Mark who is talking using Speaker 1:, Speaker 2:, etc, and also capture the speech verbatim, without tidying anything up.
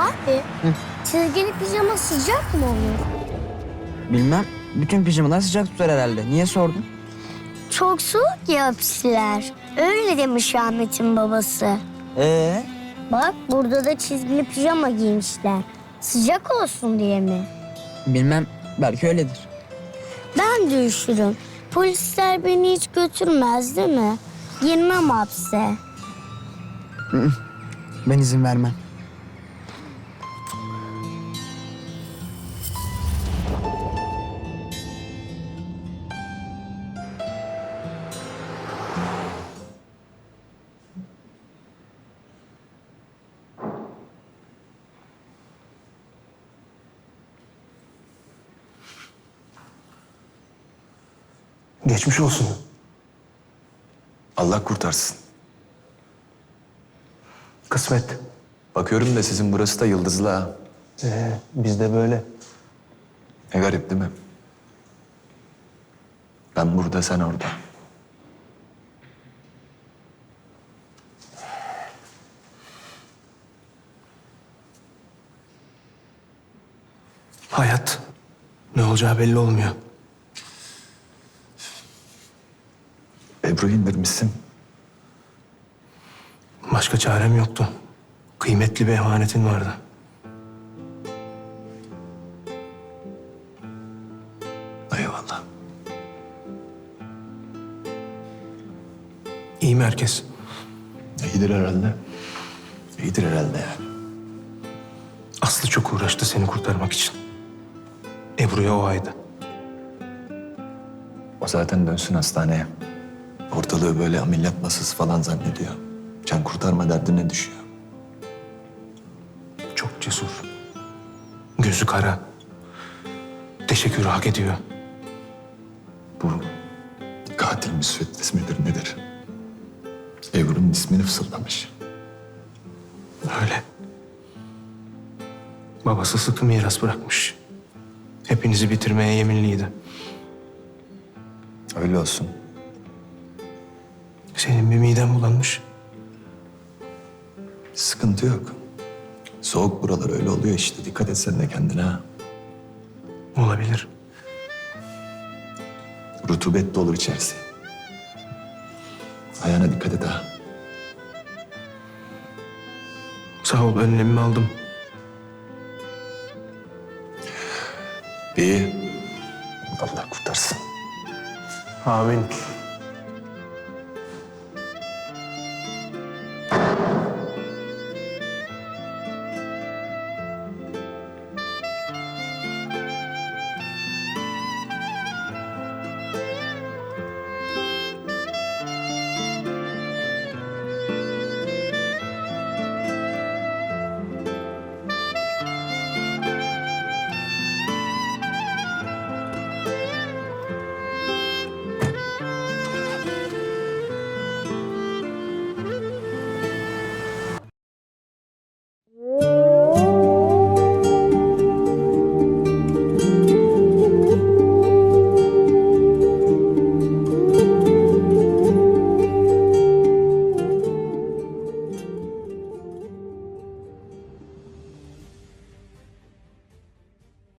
Speaker 1: Abi, çizgili pijama sıcak mı olur?
Speaker 2: Bilmem. Bütün pijamalar sıcak tutar herhalde. Niye sordun?
Speaker 1: Çok soğuk ya hapisler. Öyle demiş Ahmet'in babası.
Speaker 2: Ee?
Speaker 1: Bak burada da çizgili pijama giymişler. Sıcak olsun diye mi?
Speaker 2: Bilmem. Belki öyledir.
Speaker 1: Ben de üşürüm. Polisler beni hiç götürmez değil mi? Girmem hapse.
Speaker 2: Ben izin vermem.
Speaker 3: Geçmiş olsun.
Speaker 4: Allah kurtarsın.
Speaker 3: Kısmet.
Speaker 4: Bakıyorum da sizin burası da yıldızlı ha.
Speaker 3: Ee, biz de böyle.
Speaker 4: Ne garip değil mi? Ben burada, sen orada.
Speaker 3: Hayat. Ne olacağı belli olmuyor.
Speaker 4: Ebru indirmişsin.
Speaker 3: Başka çarem yoktu. Kıymetli bir emanetin vardı.
Speaker 4: Eyvallah.
Speaker 3: İyi mi herkes?
Speaker 4: İyidir herhalde. İyidir herhalde yani.
Speaker 3: Aslı çok uğraştı seni kurtarmak için. Ebru'ya o aydı.
Speaker 4: O zaten dönsün hastaneye. Ortalığı böyle ameliyat masası falan zannediyor. Can kurtarma derdine düşüyor.
Speaker 3: Çok cesur. Gözü kara. Teşekkürü hak ediyor.
Speaker 4: Bu katil müsveddes midir nedir? Ebru'nun ismini fısıldamış.
Speaker 3: Öyle. Babası sıkı miras bırakmış. Hepinizi bitirmeye yeminliydi.
Speaker 4: Öyle olsun.
Speaker 3: Senin bir miden bulanmış.
Speaker 4: Sıkıntı yok. Soğuk buralar öyle oluyor işte. Dikkat et sen de kendine ha.
Speaker 3: Olabilir.
Speaker 4: Rutubet de olur içerisi. Ayağına dikkat et ha.
Speaker 3: Sağ ol, önlemimi aldım.
Speaker 4: İyi. Allah kurtarsın.
Speaker 3: Amin.